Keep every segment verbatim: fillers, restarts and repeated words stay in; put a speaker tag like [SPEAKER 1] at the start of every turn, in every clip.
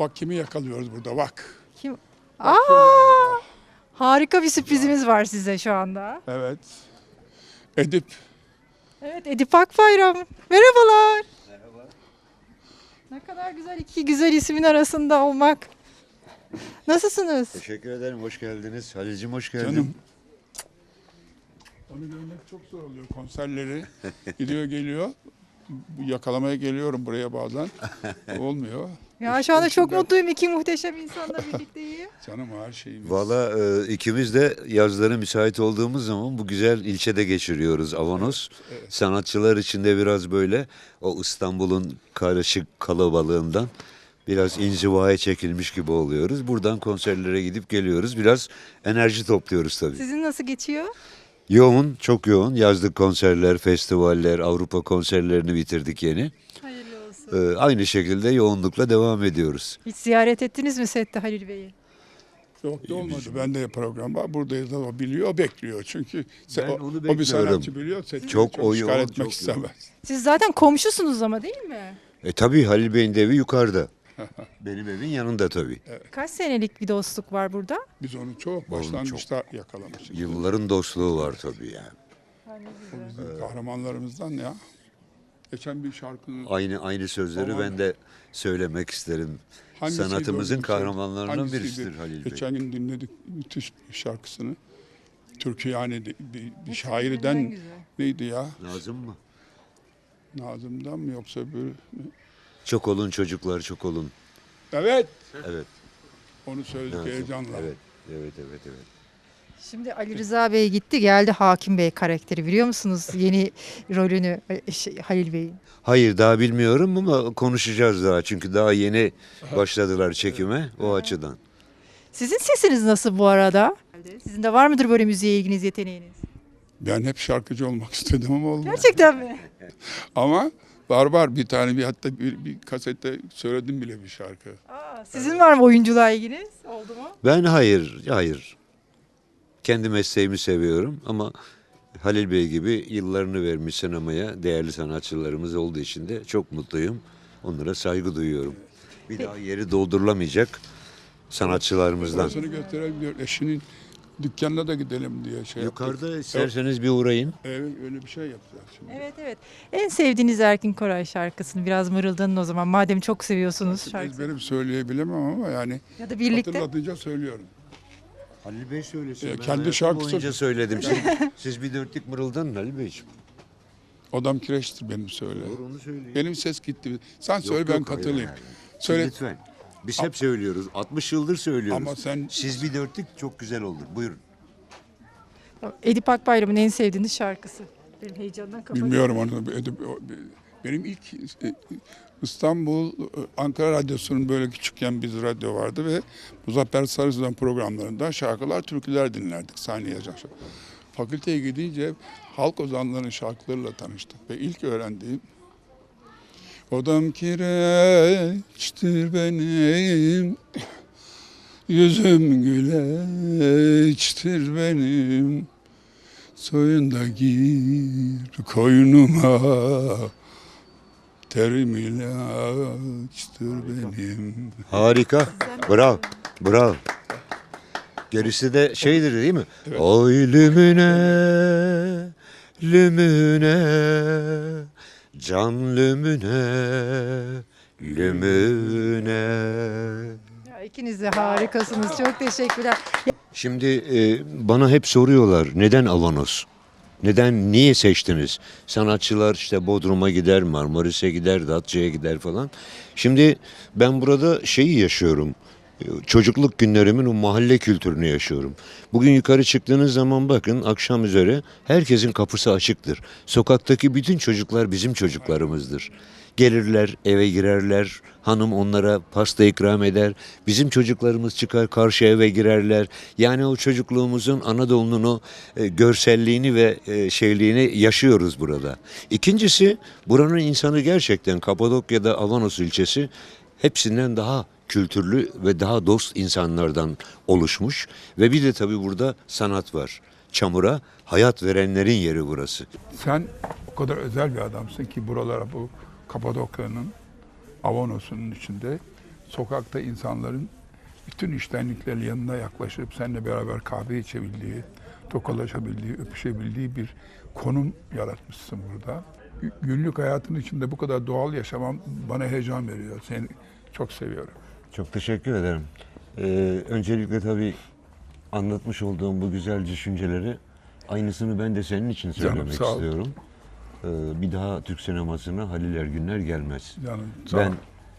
[SPEAKER 1] Bak kimi yakalıyoruz burada bak.
[SPEAKER 2] Kim?
[SPEAKER 1] Bak
[SPEAKER 2] Aa!
[SPEAKER 1] şurada.
[SPEAKER 2] Harika bir sürprizimiz var size şu anda.
[SPEAKER 1] Evet. Edip.
[SPEAKER 2] Evet, Edip Akbayram. Merhabalar. Merhaba. Ne kadar güzel iki güzel ismin arasında olmak. Nasılsınız?
[SPEAKER 3] Teşekkür ederim. Hoş geldiniz. Halil'cim hoş geldin.
[SPEAKER 1] Canım. Onu görmek çok zor oluyor konserleri. Gidiyor geliyor. Bu yakalamaya geliyorum buraya bazen. Olmuyor.
[SPEAKER 2] Ya şu anda çok
[SPEAKER 1] İçinden-
[SPEAKER 2] mutluyum. İki muhteşem insanla birlikteyim.
[SPEAKER 1] Canım her şeyimiz.
[SPEAKER 3] Valla e, ikimiz de yazları müsait olduğumuz zaman bu güzel ilçede geçiriyoruz Avanos.
[SPEAKER 1] evet.
[SPEAKER 3] Sanatçılar içinde biraz böyle o İstanbul'un karışık kalabalığından biraz inzivaya çekilmiş gibi oluyoruz. Buradan konserlere gidip geliyoruz. Biraz enerji topluyoruz tabii.
[SPEAKER 2] Sizin nasıl geçiyor?
[SPEAKER 3] Yoğun, çok yoğun. Yazlık konserler, festivaller, Avrupa konserlerini bitirdik yeni.
[SPEAKER 2] Hayırlı olsun.
[SPEAKER 3] E, aynı şekilde yoğunlukla devam ediyoruz.
[SPEAKER 2] Hiç ziyaret ettiniz mi sette Halil Bey'i?
[SPEAKER 1] Yok da olmadı. Bende program var. Buradayız da o biliyor, o bekliyor. Çünkü sen,
[SPEAKER 3] Ben
[SPEAKER 1] o,
[SPEAKER 3] onu
[SPEAKER 1] o bir
[SPEAKER 3] bekliyorum.
[SPEAKER 1] sanatçı biliyor. Çok,
[SPEAKER 3] Çok
[SPEAKER 1] çok
[SPEAKER 3] o
[SPEAKER 1] işgal
[SPEAKER 3] yoğun,
[SPEAKER 1] etmek
[SPEAKER 3] çok
[SPEAKER 1] istemez.
[SPEAKER 2] Siz zaten komşusunuz ama değil mi?
[SPEAKER 3] E tabii Halil Bey'in de evi yukarıda. Benim evin yanında tabii.
[SPEAKER 2] Kaç senelik bir dostluk var burada?
[SPEAKER 1] Biz onu çok başlangıçta yakalamışız.
[SPEAKER 3] Yılların dostluğu var tabii yani.
[SPEAKER 1] O bizim kahramanlarımızdan ya. Geçen bir şarkının
[SPEAKER 3] Aynı aynı sözleri
[SPEAKER 1] Aman.
[SPEAKER 3] ben de söylemek isterim.
[SPEAKER 1] hangisiydi
[SPEAKER 3] Sanatımızın
[SPEAKER 1] o güzel?
[SPEAKER 3] kahramanlarından
[SPEAKER 1] Hangisiydi?
[SPEAKER 3] birisidir Halil Bey.
[SPEAKER 1] Geçen gün dinledik müthiş bir şarkısını. Türkü yani bir, bir
[SPEAKER 2] Birbirinden
[SPEAKER 1] şairden
[SPEAKER 2] güzel.
[SPEAKER 1] neydi ya?
[SPEAKER 3] Nazım mı?
[SPEAKER 1] Nazım'dan mı yoksa böyle?
[SPEAKER 3] Çok olun çocuklar çok olun.
[SPEAKER 1] Evet.
[SPEAKER 3] Evet.
[SPEAKER 1] Onu söyledik
[SPEAKER 3] Nazım.
[SPEAKER 1] heyecanla.
[SPEAKER 3] Evet. Evet evet evet.
[SPEAKER 2] Şimdi Ali Rıza Bey gitti, geldi Hakim Bey karakteri, biliyor musunuz yeni rolünü e, şey, Halil Bey'in?
[SPEAKER 3] Hayır daha bilmiyorum ama konuşacağız daha çünkü daha yeni başladılar çekime o açıdan.
[SPEAKER 2] Sizin sesiniz nasıl bu arada? Sizin de var mıdır böyle müziğe ilginiz, yeteneğiniz?
[SPEAKER 1] Ben hep şarkıcı olmak istedim ama olmadı.
[SPEAKER 2] Gerçekten mi?
[SPEAKER 1] Ama var var bir tane bir hatta bir, bir kasette söyledim bile bir şarkı.
[SPEAKER 2] Aa, sizin var mı oyunculuğa ilginiz? Oldu mu?
[SPEAKER 3] Ben hayır hayır. Kendi mesleğimi seviyorum ama Halil Bey gibi yıllarını vermiş sinemaya değerli sanatçılarımız olduğu için de çok mutluyum. Onlara saygı duyuyorum. Bir daha yeri doldurulamayacak sanatçılarımızdan.
[SPEAKER 1] Orasını gösterebiliyor. Eşinin dükkanına da gidelim diye şey yaptık.
[SPEAKER 3] Yukarıda isterseniz bir uğrayın.
[SPEAKER 1] Evet öyle bir şey yapacağız şimdi.
[SPEAKER 2] Evet evet. En sevdiğiniz Erkin Koray şarkısını biraz mırıldanın o zaman. Madem çok seviyorsunuz şarkıyı.
[SPEAKER 1] Ezberim söyleyebilemem ama yani
[SPEAKER 2] Ya da birlikte.
[SPEAKER 1] hatırlatınca söylüyorum.
[SPEAKER 3] Halil Bey söylesin.
[SPEAKER 1] Ee,
[SPEAKER 3] Ben
[SPEAKER 1] kendi
[SPEAKER 3] hayatım
[SPEAKER 1] şarkısı-
[SPEAKER 3] boyunca söyledim. Siz, siz bir dörtlük mırıldanın Halil Beyciğim.
[SPEAKER 1] Odam kireçtir benim söyle.
[SPEAKER 3] Doğru onu söyleyin.
[SPEAKER 1] Benim ses gitti. Sen
[SPEAKER 3] Yok,
[SPEAKER 1] söyle ben
[SPEAKER 3] yok, hayır,
[SPEAKER 1] katılayım.
[SPEAKER 3] hayır.
[SPEAKER 1] Söyle.
[SPEAKER 3] Lütfen. Biz hep söylüyoruz. altmış yıldır söylüyoruz.
[SPEAKER 1] Ama sen-
[SPEAKER 3] Siz bir dörtlük çok güzel olur. Buyurun.
[SPEAKER 2] Edip Akbayram'ın en sevdiğiniz şarkısı. Benim heyecandan kafa
[SPEAKER 1] Bilmiyorum onu. Edip- o- Benim ilk e, İstanbul Ankara Radyosu'nun böyle küçükken bir radyo vardı ve Muzaffer Sarısu'dan programlarında şarkılar, türküler dinlerdik sahneye yaşa. Fakülteye gidince halk ozanlarının şarkılarıyla tanıştık ve ilk öğrendiğim odam kireçtir benim, yüzüm güleçtir benim, soyunda gir koynuma, terim ilaçtır benim.
[SPEAKER 3] Harika. Bravo. Bravo. Gerisi de şeydir değil mi? Oy lümüne, lümüne, can lümüne, lümüne.
[SPEAKER 2] Ya, ikiniz de harikasınız. Çok teşekkürler.
[SPEAKER 3] Şimdi e, bana hep soruyorlar neden Avanos? Neden, niye seçtiniz? Sanatçılar işte Bodrum'a gider, Marmaris'e gider, Datça'ya gider falan. Şimdi ben burada şeyi yaşıyorum. Çocukluk günlerimin o mahalle kültürünü yaşıyorum. Bugün yukarı çıktığınız zaman bakın akşam üzere herkesin kapısı açıktır. Sokaktaki bütün çocuklar bizim çocuklarımızdır. Gelirler, eve girerler, hanım onlara pasta ikram eder. Bizim çocuklarımız çıkar karşı eve girerler. Yani o çocukluğumuzun Anadolu'nun o e, görselliğini ve e, şeyliğini yaşıyoruz burada. İkincisi buranın insanı gerçekten Kapadokya'da Avanos ilçesi hepsinden daha kültürlü ve daha dost insanlardan oluşmuş. Ve bir de tabii burada sanat var. Çamura hayat verenlerin yeri burası.
[SPEAKER 1] Sen o kadar özel bir adamsın ki buralara bu Kapadokya'nın Avanos'un içinde sokakta insanların bütün iştenlikleri yanına yaklaşıp seninle beraber kahve içebildiği, tokalaşabildiği, öpüşebildiği bir konum yaratmışsın burada. Günlük hayatın içinde bu kadar doğal yaşamam bana heyecan veriyor. Seni çok seviyorum.
[SPEAKER 3] Çok teşekkür ederim. Ee, öncelikle tabii anlatmış olduğum bu güzel düşünceleri aynısını ben de senin için
[SPEAKER 1] Canım,
[SPEAKER 3] söylemek
[SPEAKER 1] sağ ol.
[SPEAKER 3] istiyorum. Ee, bir daha Türk sinemasına Halil Ergünler gelmez.
[SPEAKER 1] Canım, sağ
[SPEAKER 3] Ben
[SPEAKER 1] ol.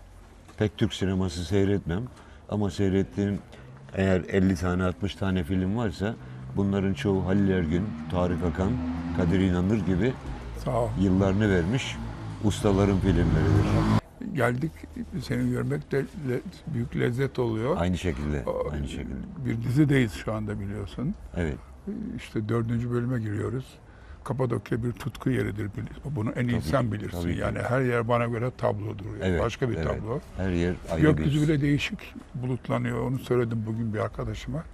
[SPEAKER 3] pek Türk sineması seyretmem ama seyrettiğim eğer elli tane altmış tane film varsa bunların çoğu Halil Ergün, Tarık Akan, Kadir İnanır gibi
[SPEAKER 1] Sağ ol.
[SPEAKER 3] yıllarını vermiş ustaların filmleridir.
[SPEAKER 1] Geldik, seni görmek de le- büyük lezzet oluyor.
[SPEAKER 3] Aynı şekilde, aynı şekilde.
[SPEAKER 1] Bir dizideyiz şu anda biliyorsun.
[SPEAKER 3] Evet.
[SPEAKER 1] İşte dördüncü bölüme giriyoruz. Kapadokya bir tutku yeridir. Bunu en iyi
[SPEAKER 3] Tabii
[SPEAKER 1] sen
[SPEAKER 3] ki,
[SPEAKER 1] bilirsin.
[SPEAKER 3] tabii ki.
[SPEAKER 1] Yani her yer bana göre tablodur. Yani
[SPEAKER 3] Evet,
[SPEAKER 1] başka bir
[SPEAKER 3] evet.
[SPEAKER 1] tablo.
[SPEAKER 3] Her yer ayrı
[SPEAKER 1] Gökyüzü
[SPEAKER 3] bir...
[SPEAKER 1] bile değişik bulutlanıyor. Onu söyledim bugün bir arkadaşıma.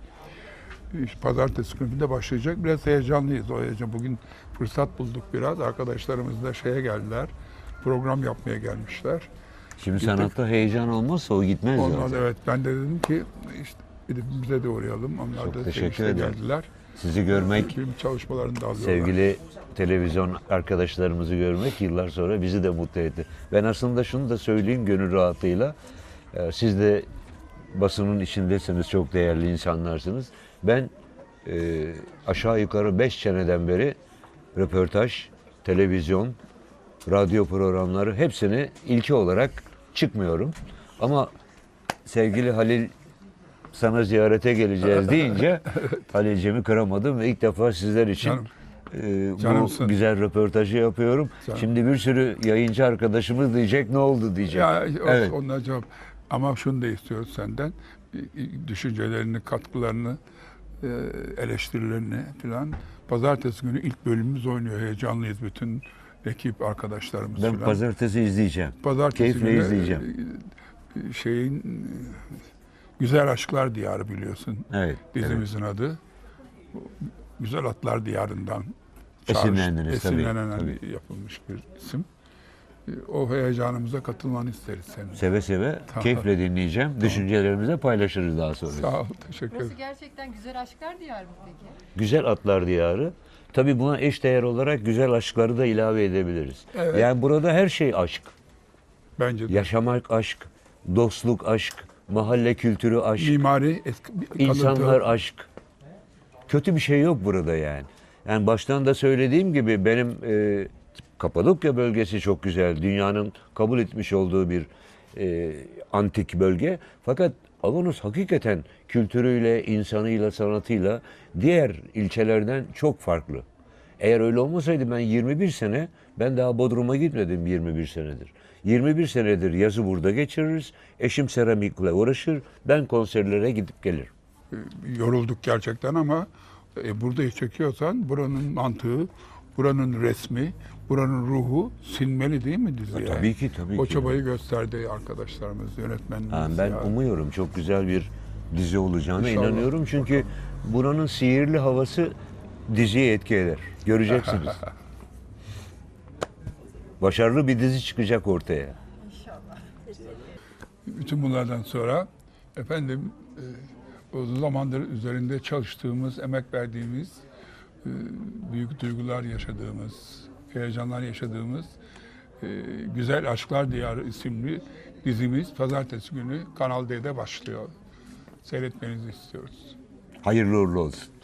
[SPEAKER 1] İşte pazartesi günü de başlayacak. Biraz heyecanlıyız o heyecan. Bugün fırsat bulduk biraz. Arkadaşlarımız da şeye geldiler. Program yapmaya gelmişler.
[SPEAKER 3] Şimdi
[SPEAKER 1] Gittik.
[SPEAKER 3] sanatta heyecan olmazsa o gitmez
[SPEAKER 1] Onlar
[SPEAKER 3] zaten.
[SPEAKER 1] evet ben de dedim ki işte bir de bize de uğrayalım. Onlar
[SPEAKER 3] Çok
[SPEAKER 1] da
[SPEAKER 3] teşekkür
[SPEAKER 1] sevinçle
[SPEAKER 3] ederim.
[SPEAKER 1] geldiler.
[SPEAKER 3] Sizi görmek,
[SPEAKER 1] Film çalışmalarını da alıyorlar.
[SPEAKER 3] sevgili televizyon arkadaşlarımızı görmek yıllar sonra bizi de mutlu etti. Ben aslında şunu da söyleyeyim gönül rahatlığıyla. Ee, Siz de basının içindesiniz, çok değerli insanlarsınız. Ben e, aşağı yukarı beş seneden beri röportaj, televizyon, radyo programları hepsini ilki olarak çıkmıyorum. Ama sevgili Halil sana ziyarete geleceğiz deyince Halil'cimi kıramadım ve ilk defa sizler için
[SPEAKER 1] Canım,
[SPEAKER 3] e, bu
[SPEAKER 1] canımsın.
[SPEAKER 3] güzel röportajı yapıyorum.
[SPEAKER 1] Canım.
[SPEAKER 3] Şimdi bir sürü yayıncı arkadaşımız diyecek ne oldu diyecek.
[SPEAKER 1] Ya o-
[SPEAKER 3] Evet.
[SPEAKER 1] onlar cevap. Ama şunu da istiyoruz senden. Düşüncelerini, katkılarını, e, eleştirilerini falan. Pazartesi günü ilk bölümümüz oynuyor. Heyecanlıyız bütün ekip arkadaşlarımız
[SPEAKER 3] Ben
[SPEAKER 1] falan.
[SPEAKER 3] pazartesi izleyeceğim.
[SPEAKER 1] Pazartesi
[SPEAKER 3] keyifle
[SPEAKER 1] günü,
[SPEAKER 3] izleyeceğim.
[SPEAKER 1] e, şeyin e, Güzel Aşklar Diyarı biliyorsun.
[SPEAKER 3] Evet. evet.
[SPEAKER 1] Dizimizin adı. Güzel Atlar Diyarı'ndan
[SPEAKER 3] Esinlendiniz tabii,
[SPEAKER 1] esinlenen
[SPEAKER 3] tabii.
[SPEAKER 1] yapılmış bir isim. E, O heyecanımıza katılmanı isteriz senin.
[SPEAKER 3] Seve seve,
[SPEAKER 1] Tamam.
[SPEAKER 3] keyifle dinleyeceğim. Düşüncelerimizi paylaşırız daha sonra.
[SPEAKER 1] Sağ ol, teşekkür
[SPEAKER 2] Burası
[SPEAKER 1] ederim.
[SPEAKER 2] gerçekten güzel aşklar diyar mı peki?
[SPEAKER 3] Güzel Atlar Diyarı. Tabii buna eş değer olarak güzel aşkları da ilave edebiliriz.
[SPEAKER 1] Evet.
[SPEAKER 3] Yani burada her şey aşk.
[SPEAKER 1] Bence de.
[SPEAKER 3] Yaşamak aşk, dostluk aşk, mahalle kültürü aşk,
[SPEAKER 1] Mimari, eski, bir kalıntı.
[SPEAKER 3] insanlar aşk. Kötü bir şey yok burada yani. Yani baştan da söylediğim gibi benim e, Kapadokya bölgesi çok güzel. Dünyanın kabul etmiş olduğu bir e, antik bölge. Fakat Avanos hakikaten kültürüyle, insanıyla, sanatıyla diğer ilçelerden çok farklı. Eğer öyle olmasaydı ben yirmi bir sene, ben daha Bodrum'a gitmedim yirmi bir senedir. yirmi bir senedir yazı burada geçiririz. Eşim seramikle uğraşır. Ben konserlere gidip gelirim.
[SPEAKER 1] Yorulduk gerçekten ama e, burada çekiyorsan buranın mantığı, buranın resmi, buranın ruhu sinmeli değil mi diziye?
[SPEAKER 3] Tabii ki, tabii
[SPEAKER 1] O
[SPEAKER 3] ki.
[SPEAKER 1] çabayı gösterdi arkadaşlarımız, yönetmenimiz.
[SPEAKER 3] Ha, ben
[SPEAKER 1] ya.
[SPEAKER 3] umuyorum çok güzel bir dizi olacağına
[SPEAKER 1] İnşallah.
[SPEAKER 3] inanıyorum. Çünkü buranın sihirli havası diziye etki eder. Göreceksiniz. Başarılı bir dizi çıkacak ortaya.
[SPEAKER 1] Bütün bunlardan sonra efendim e, uzun zamandır üzerinde çalıştığımız, emek verdiğimiz, e, büyük duygular yaşadığımız, heyecanlar yaşadığımız e, Güzel Aşklar Diyarı isimli dizimiz pazartesi günü Kanal D'de başlıyor. Seyretmenizi istiyoruz.
[SPEAKER 3] Hayırlı uğurlu olsun.